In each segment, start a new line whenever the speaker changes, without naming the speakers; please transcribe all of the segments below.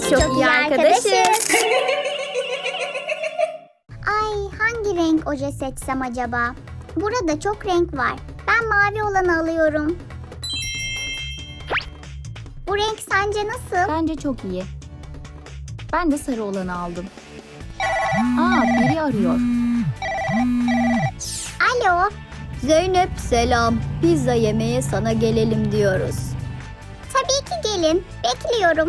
Biz çok iyi arkadaşız.
Ay, hangi renk oje seçsem acaba? Burada çok renk var. Ben mavi olanı alıyorum. Bu renk sence nasıl?
Bence çok iyi. Ben de sarı olanı aldım. Biri arıyor.
Alo.
Zeynep selam. Pizza yemeye sana gelelim diyoruz.
Tabii ki gelin. Bekliyorum.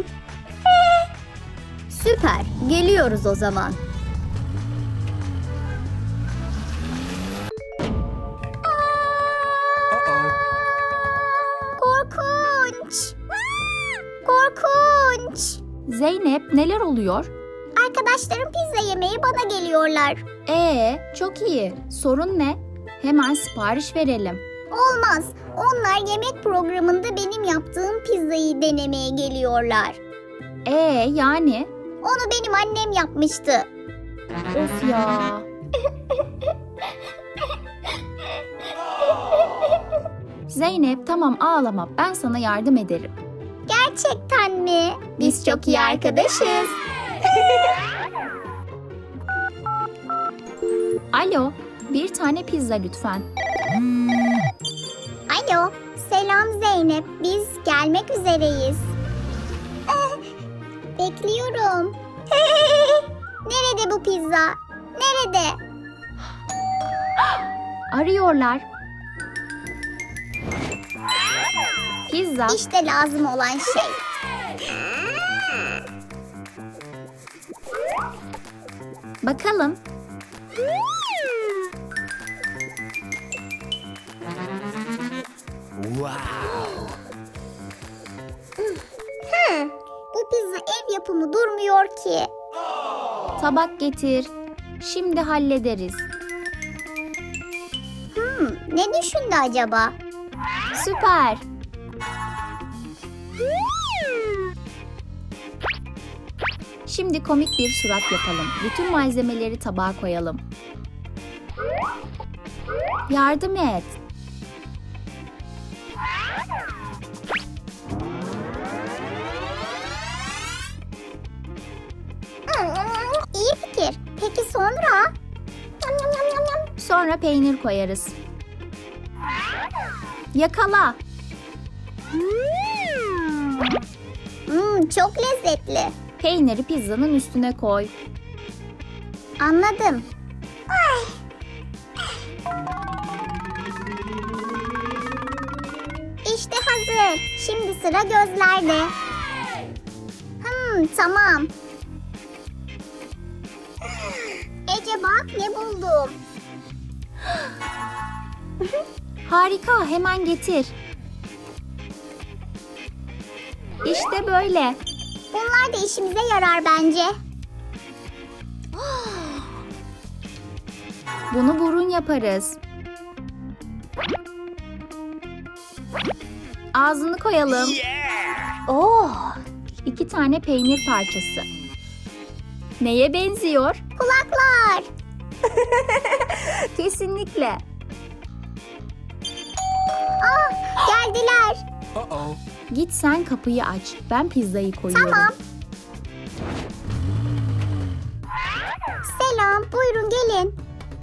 Süper. Geliyoruz o zaman.
Korkunç. Korkunç.
Zeynep, neler oluyor?
Arkadaşlarım pizza yemeye bana geliyorlar.
Çok iyi. Sorun ne? Hemen sipariş verelim.
Olmaz. Onlar yemek programında benim yaptığım pizzayı denemeye geliyorlar.
Yani?
Onu benim annem yapmıştı.
Of ya. Zeynep, tamam ağlama. Ben sana yardım ederim.
Gerçekten mi?
Biz çok iyi arkadaşız. Alo, bir tane pizza lütfen.
Alo. Selam Zeynep. Biz gelmek üzereyiz. Bekliyorum. Nerede bu pizza? Nerede?
Arıyorlar. Pizza.
İşte lazım olan şey.
Bakalım.
Bu pizza ev yapımı durmuyor ki.
Tabak getir. Şimdi hallederiz.
Ne düşündü acaba?
Süper. Şimdi komik bir surat yapalım. Bütün malzemeleri tabağa koyalım. Yardım et.
İyi fikir. Peki sonra?
Sonra peynir koyarız. Yakala.
Çok lezzetli.
Peyniri pizzanın üstüne koy.
Anladım. İşte hazır. Şimdi sıra gözlerde. Tamam. Ece bak ne buldum.
Harika, hemen getir. İşte böyle.
Bunlar da işimize yarar bence.
Bunu burun yaparız. Ağzını koyalım. Oh! 2 tane peynir parçası. Neye benziyor?
Kulaklar.
Kesinlikle.
Geldiler.
Git sen kapıyı aç. Ben pizzayı koyuyorum.
Tamam. Selam. Buyurun gelin.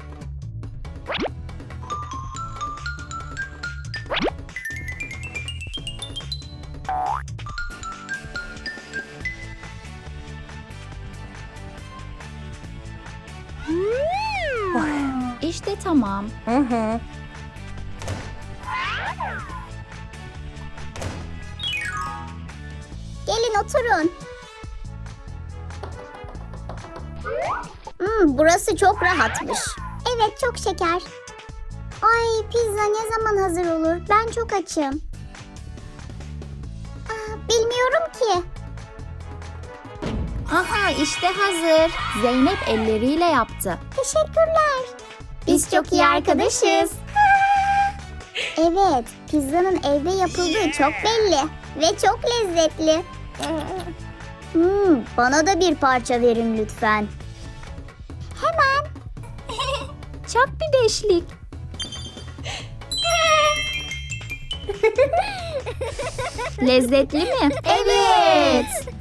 İşte tamam.
Gelin oturun. Burası çok rahatmış. Evet çok şeker. Ay pizza ne zaman hazır olur? Ben çok açım. Bilmiyorum ki.
Aha işte hazır. Zeynep elleriyle yaptı.
Teşekkürler.
Biz çok iyi arkadaşız.
Evet, pizzanın evde yapıldığı çok belli ve çok lezzetli. Bana da bir parça verin lütfen. Hemen.
Çak bir beşlik. Lezzetli mi?
Evet.